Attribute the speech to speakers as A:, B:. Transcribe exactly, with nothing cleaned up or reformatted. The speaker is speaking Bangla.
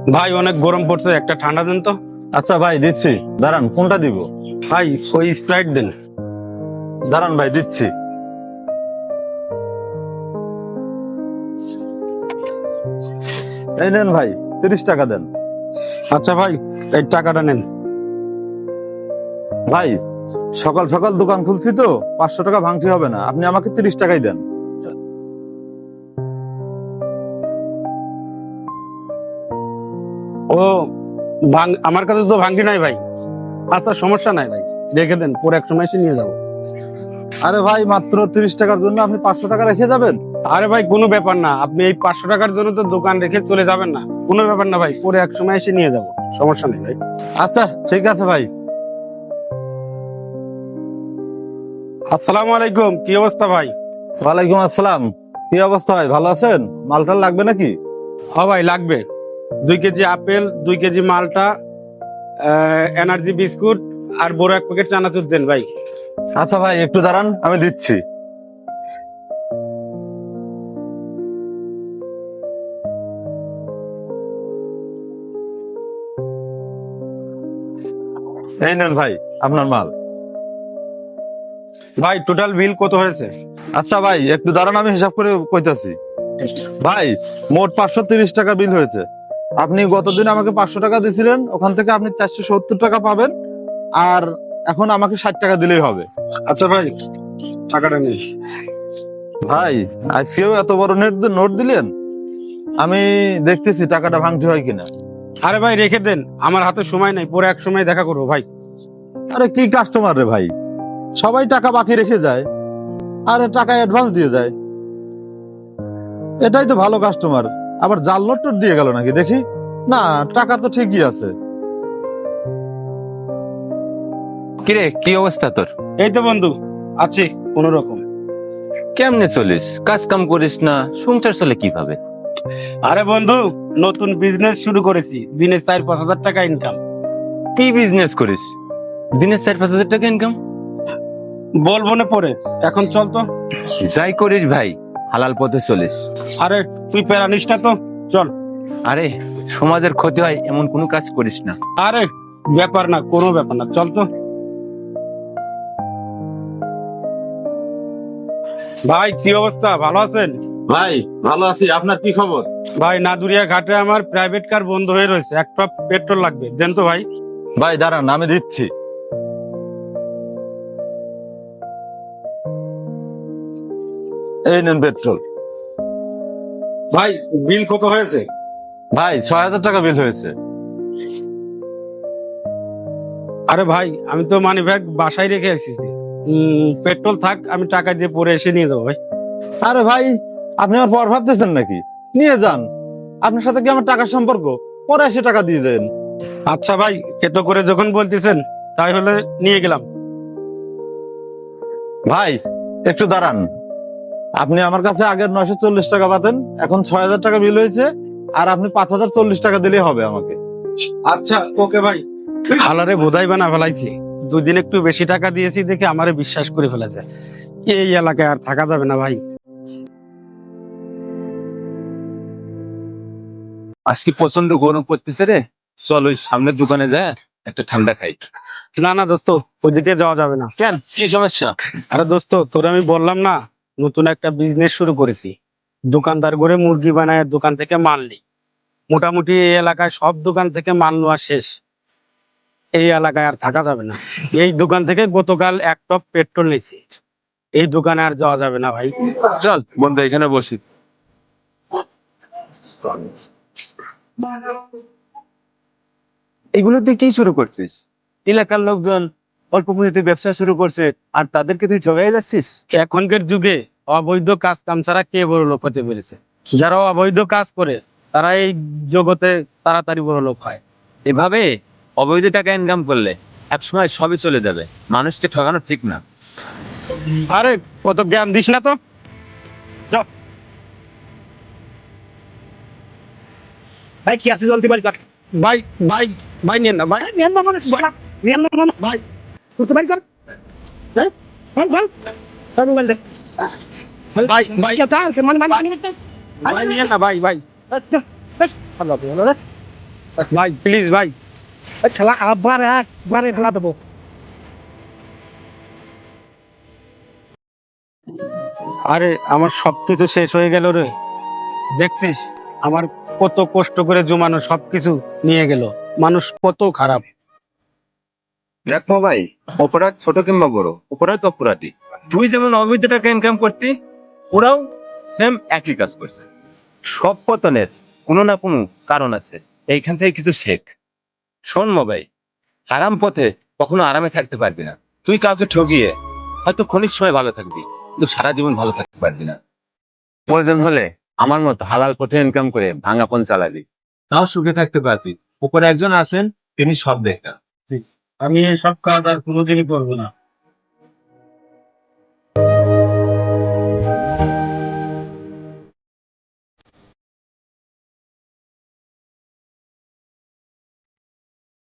A: ভাই অনেক গরম পড়ছে, একটা ঠান্ডা দেন তো।
B: আচ্ছা ভাই দিচ্ছি, দাঁড়ান কোনটা দিব?
A: ভাই ওই স্প্রাইট দেন।
B: দাঁড়ান ভাই দিচ্ছি। এই নেন ভাই, তিরিশ টাকা দেন।
A: আচ্ছা ভাই এই টাকাটা নেন।
B: ভাই সকাল সকাল দোকান খুলছি তো, পাঁচশো টাকা ভাঙতি হবে না, আপনি আমাকে তিরিশ টাকাই দেন।
A: ও ভাঙ আমার কাছে তো ভাঙি নাই ভাই। আচ্ছা সমস্যা নাই ভাই, রেখে দেন, পরে এক সময় এসে নিয়ে যাবো।
B: আরে ভাই মাত্র তিরিশ টাকার জন্য আপনি পাঁচশো টাকা রেখে যাবেন?
A: আরে ভাই কোনো ব্যাপার না, আপনি এই পাঁচশো টাকার জন্য তো দোকান রেখে চলে যাবেন না, কোনো ব্যাপার না ভাই, পরে এক সময় এসে নিয়ে যাবো, সমস্যা নেই ভাই।
B: আচ্ছা ঠিক আছে ভাই।
A: আসসালামু আলাইকুম, কি অবস্থা ভাই?
B: ওয়ালাইকুম আসসালাম। কি অবস্থা ভাই, ভালো আছেন? মালটাল লাগবে নাকি?
A: হ ভাই লাগবে, দুই কেজি আপেল, দুই কেজি মালটা, এনার্জি বিস্কুট আর বড় এক প্যাকেট চানাচুর দেন ভাই।
B: আচ্ছা ভাই একটু দাঁড়ান, আমি দিচ্ছি। এই নেন ভাই আপনার মাল।
A: ভাই টোটাল বিল কত হয়েছে?
B: আচ্ছা ভাই একটু দাঁড়ান, আমি হিসাব করে কইতাছি। ভাই মোট পাঁচশো তিরিশ টাকা বিল হয়েছে। আপনি গতদিন আমাকে পাঁচশো টাকা দিয়েছিলেন, ওখান থেকে আপনি চারশো সত্তর টাকা পাবেন, আর এখন আমাকে ষাট টাকা দিলেই হবে।
A: আচ্ছা ভাই টাকাটা নেই।
B: ভাই আজকেও এত বড় নেট নোট দিলেন, আমি দেখতেছি টাকাটা ভাঙতে হয় কিনা।
A: আরে ভাই রেখে দেন, আমার হাতে সময় নাই, পরে এক সময় দেখা করবো ভাই।
B: আরে কি কাস্টমার রে ভাই, সবাই টাকা বাকি রেখে যায় আর টাকা অ্যাডভান্স দিয়ে যায়। এটাই তো ভালো কাস্টমার, আবার জাল নোট টোট দিয়ে গেল নাকি দেখি। না, টাকা তো ঠিকই আছে।
C: কিরে কি অবস্থা তোর?
A: এই তো বন্ধু আছি কোন রকম।
C: কেমনে চলিস? কাজ কাম করিস না, সংসার চলে কিভাবে?
A: আরে বন্ধু নতুন বিজনেস শুরু করেছি, দিনে চার পাঁচ হাজার টাকা ইনকাম।
C: কি বিজনেস করিস? দিনে চার পাঁচ হাজার টাকা ইনকাম?
A: বলবো না পরে, এখন চল তো।
C: যাই করিস ভাই, হালাল পথে চলিস।
A: আরে তুই প্যারা নিস না তো, চল।
C: আরে সমাজের ক্ষতি হয় এমন কোনো কাজ করিস না।
A: আরে ব্যাপার না, কোনো ব্যাপার না, চল তো। ভাই কি অবস্থা, ভালো আছেন?
B: ভাই ভালো আছি, আপনার কি খবর?
A: ভাই নাদুরিয়া ঘাটে আমার প্রাইভেট কার বন্ধ হয়ে রয়েছে, একটা পেট্রোল লাগবে, দেন তো ভাই।
B: ভাই দাঁড়ান আমি দিচ্ছি। এই নেন পেট্রোল।
A: ভাই বিল কত হয়েছে?
B: ভাই ছয় হাজার টাকা বিল হয়েছে।
A: আরে ভাই আমি তো মানি ব্যাগ বাসায় রেখে এসেছি, উম, পেট্রোল থাক, আমি টাকা দিয়ে পরে এসে নিয়ে যাবো ভাই।
B: আরে ভাই আপনি আমার পর ভাবতেছেন নাকি? নিয়ে যান, আপনার সাথে কি আমার টাকার সম্পর্ক? পরে এসে টাকা দিয়ে যান।
A: আচ্ছা ভাই এত করে যখন বলতেছেন তাই হলে নিয়ে গেলাম।
B: ভাই একটু দাঁড়ান, আপনি আমার কাছে আগের নয়শো চল্লিশ টাকা পাতেন, এখন ছয় হাজার টাকা বিল হয়েছে, আর আপনি পাঁচ হাজার চল্লিশ টাকা দিলেই হবে আমাকে।
A: আচ্ছা ওকে ভাই। হালারে বোধাই বানা ফেলাইছি, দুদিন একটু বেশি টাকা দিয়েছি দেখে আমারে বিশ্বাস করে ফেলেছে। এই এলাকায় আর থাকা যাবে না ভাই।
D: আজকে প্রচন্ড গরম পড়তেছে রে, চল ওই সামনের দোকানে যায় একটা ঠান্ডা খাই।
A: না না দোস্ত, ওইদিকে যাওয়া যাবে না।
D: কেন, কি সমস্যা?
A: আরে দোস্ত তোর আমি বললাম না, নতুন একটা বিজনেস শুরু করেছি, দোকানদার করে মুরগি বানায় দোকান থেকে মাল নিই। মোটামুটি এই এলাকায় সব দোকান থেকে মাল নেওয়া শেষ, এই এলাকায় আর থাকা যাবে না। এই দোকান থেকে গতকাল এক টপ পেট্রোল নিয়েছি, এই দোকানে আর যাওয়া যাবে না ভাই।
D: চল বন্ধু এখানে বসি।
E: এগুলো তুই কি শুরু করছিস? এলাকার লোকজন অল্প পুঁজিতে ব্যবসা শুরু করছে, আর তাদেরকে তুই ঠকাই যাচ্ছিস।
A: এখনকার যুগে অবৈধ কাজ কাম ছাড়া কে বড় লোক হতে পেরেছে? যারা অবৈধ কাজ করে তারা এই জগতে তাড়াতাড়ি বড় লোক হয়।
E: এভাবে অবৈধ টাকা ইনকাম করলে একসময় সবই চলে যাবে, মানুষকে ঠকানো ঠিক না।
A: আরে কত জ্ঞান দিস না তো, যাও।
F: ভাই কি আছে জলদি বাড়ি কাট।
A: ভাই ভাই ভাই নিয়েন না ভাই,
F: নিয়ন না মানে নিয়ন না মানে
A: ভাই
F: তুই বাড়ি কর। হ্যাঁ বল বল তার মোবাইল দে।
A: ভাই ভাই
F: কি তা কে মানে মানে
A: ভাই নিয়েন না ভাই ভাই।
F: ভালো ভালো
A: ভাই প্লিজ ভাই।
F: এই শালা আবার একবারে ঢেলা দেবো।
A: আরে আমার সবকিছু শেষ হয়ে গেল রে। দেখছিস আমার কত কষ্ট করে জমানো সবকিছু নিয়ে গেল। মানুষ কত খারাপ।
E: দেখো ভাই, অপরাধ ছোট কিংবা বড়, অপরাধ অপরাধী। তুই যেমন অবৈধ টাকা ইনকাম করতি, ওরাও সেম একই কাজ করছে। সব পতনের কোনো না কোনো কারণ আছে, এইখান থেকে কিছু শেখ। শোন ভাই, হারাম পথে কখনো আরামে থাকতে পারবি না। তুই কাউকে ঠকিয়ে হয়তো ক্ষণিক সময় ভালো থাকবি, কিন্তু সারা জীবন ভালো থাকতে পারবি না। প্রয়োজন হলে আমার মতো হালাল পথে ইনকাম করে ভাঙাপন চালাবি, তাও সুখে থাকতে পারবি। উপরে একজন আছেন, তিনি সব দেখা।
A: আমি সব কাজ আর কোনোদিনই করবো না।